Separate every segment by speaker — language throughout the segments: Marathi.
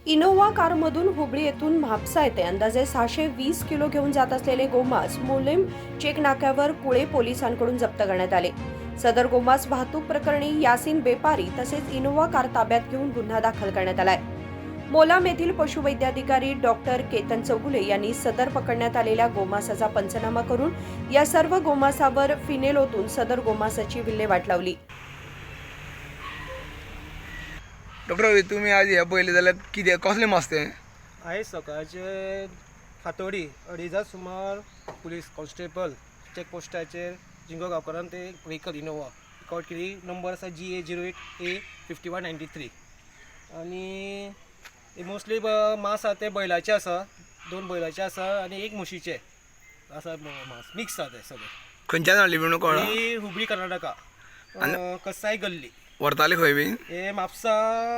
Speaker 1: इनोव्हा कारमधून हुबळी येथून म्हापसा येथे अंदाजे 620 किलो घेऊन जात असलेले गोमांस मोलेम चेक नाक्यावर कुळे पोलिसांकडून जप्त करण्यात आले। सदर गोमांस वाहतूक प्रकरणी यासीन बेपारी तसेच इनोव्हा कार ताब्यात घेऊन गुन्हा दाखल करण्यात आलाय। मोलाम येथील पशुवैद्याधिकारी डॉक्टर केतन चौगुले यांनी सदर पकडण्यात आलेल्या गोमांसाचा पंचनामा करून या सर्व गोमांसावर फिनेल ओतून सदर गोमांसाची विल्हेवाट लावली।
Speaker 2: डॉक्टर तुम्ही आज ह्या पयले जाल्यार कितें कसलें मास तें?
Speaker 3: आयज सकाळचे फातोडी 2:30 सुमार पुलीस कॉन्स्टेबल चॅकपोस्टाचेर जिंगो गांवकारान ते व्हेकल इनोवा रिकॉर्ड केली। नंबर आसा GA08A5193 आनी मोस्टली मास आसा ते बैलाचे आसा, 2 बैलाचे आसा आनी 1 म्हशीचे आसा मास मिक्स आसा ते सगळे।
Speaker 2: खंयच्यान हाडली म्हणून कळ्ळा?
Speaker 3: ही हुबळी कर्नाटका कसाय गल्ली
Speaker 2: व्हरताले खंय बीन?
Speaker 3: हे म्हापसा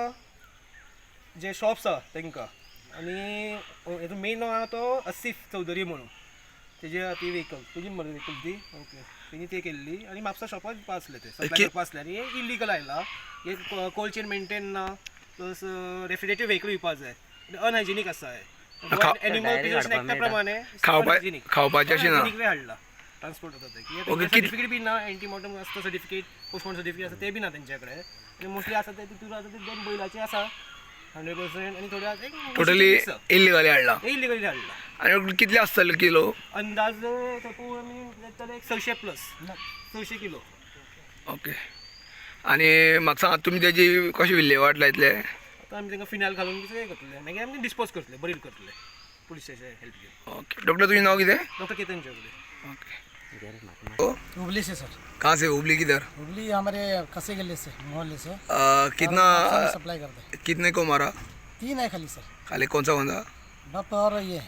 Speaker 3: जे शॉप्स आसा तांकां आनी हेजो मेन नांव आहा तो आसिफ चौधरी म्हणून तेजे ती व्हेकल तुजी मरे व्हेकल ती ओके तेणी ते केल्ली आनी म्हापसा शॉपाक दिवपा आसले ते सप्लाय करपा आसले आनी हे इलिगल आयला। हे कोल्ड चेन मेंटेन ना प्लस रेफ्रिजरेटेड व्हेकल दिवपा जाय अनहायजिनीक आसा हे एनिमल प्रिजर्वेशन एक्टा प्रमाणे
Speaker 2: खावपाचें अशें ना
Speaker 3: हाडला ट्रान्सपोर्ट होता ते सर्टिफिकेट बी ना एंटीमॉर्टम आसता सर्टिफिकेट पोस्टमॉर्टम सर्टिफिकेट आसा ते बी ना तेंचे कडेन आनी मोस्टली आसा ते तितून आसा ते 2 बैलाचे आसा 100% आनी थोडे आसा
Speaker 2: टोटली इल्लिगली हाडला
Speaker 3: इलिगली हाडला।
Speaker 2: आनी कितले आसतले किलो?
Speaker 3: अंदाज आमी जातले 600 प्लस 600 किलो।
Speaker 2: ओके आनी म्हाका सांगात तुमी तेजी कशी विल्हेवाट लायतले?
Speaker 3: आतां आमी तांकां फिनायल घालून कितें करतले मागीर आमी डिस्पोज करतले बरील करतले पुलिसाचे हेल्प घेवन।
Speaker 2: ओके डॉक्टर तुजें नांव कितें?
Speaker 3: डॉक्टर केतन चौगुले।
Speaker 2: ओके
Speaker 4: हुबली से सर।
Speaker 2: कहाँ से? हुबली किधर?
Speaker 4: हुबली हमारे कसे गले से मोहल्ले से।
Speaker 2: कितना
Speaker 4: सप्लाई करते हैं।
Speaker 2: कितने को मारा?
Speaker 4: 3 है खाली सर।
Speaker 2: खाली कौन सा
Speaker 4: बफ और ये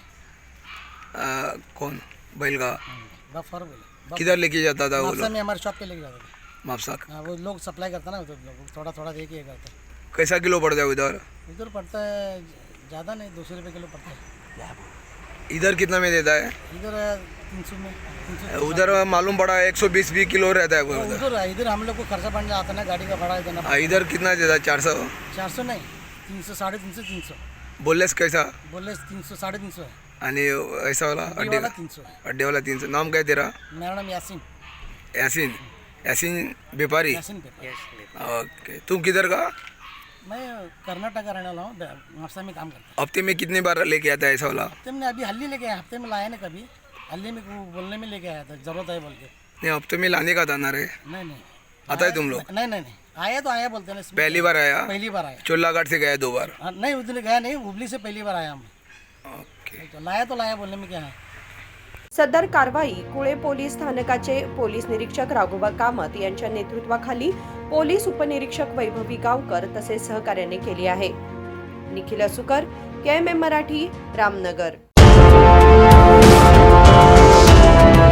Speaker 2: कौन बैल का?
Speaker 4: बफ और बोले
Speaker 2: किधर लेके जाता था वो
Speaker 4: म्हापसा
Speaker 2: लोग?
Speaker 4: में हमारे शॉप पे लेके जाते थे।
Speaker 2: म्हापसा
Speaker 4: हाँ वो लोग सप्लाई करता ना, तो लोग थोड़ा थोड़ा दे के करते हैं।
Speaker 2: कैसा किलो पड़ता है उधर?
Speaker 4: उधर पड़ता है ज़्यादा नहीं, 200 रुपये किलो पड़ता है।
Speaker 2: इधर कितना में देता है?
Speaker 4: इधर 300 में 300।
Speaker 2: उधर मालूम पड़ा 120 भी किलो रहता है वो उधर।
Speaker 4: उधर इधर हम लोग को खर्चा पड़ जाता ना, गाड़ी का भाड़ा देना।
Speaker 2: इधर कितना देता है? 400?
Speaker 4: 400 नहीं, 300 350 300।
Speaker 2: बोललेस कैसा?
Speaker 4: बोले 300 350 है।
Speaker 2: आणि ऐसा वाला
Speaker 4: अड्डे वाला 300 है।
Speaker 2: अड्डे वाला 300। नाम क्या तेरा?
Speaker 4: मेरा नाम यासीन।
Speaker 2: यासीन? यासीन बेपारी?
Speaker 4: यासीन पेपर।
Speaker 2: ओके तुम किधर का?
Speaker 4: मैं कर्नाटक का रहने वाला हूँ, म्हापसा में काम करता हूँ।
Speaker 2: हफ्ते में कितनी बार लेके आता है ऐसा वाला?
Speaker 4: हफ्ते में अभी हल्ली लेके आया, हफ्ते में लाया ना कभी, हल्ली में बोलने में लेके आया था, जरूरत है बोल के।
Speaker 2: नहीं हफ्ते में लाने का था ना रे?
Speaker 4: नहीं
Speaker 2: आता है तुम लोग?
Speaker 4: नहीं आया तो आया बोलते हैं।
Speaker 2: पहली बार आया?
Speaker 4: पहली बार आया।
Speaker 2: चोलाघाट से गया 2 बार?
Speaker 4: नहीं उधर गया नहीं, हुबली से पहली बार आया हम।
Speaker 2: ओके
Speaker 4: तो लाया बोलने में क्या है।
Speaker 1: सदर कारवाई कुळे पोलीस स्थानकाचे पोलीस निरीक्षक राघोबा कामत यांच्या नेतृत्वाखाली पोलीस उपनिरीक्षक वैभवी गावकर तसेच सहकार्याने केली आहे। निखिल असुकर, KMM मराठी, रामनगर।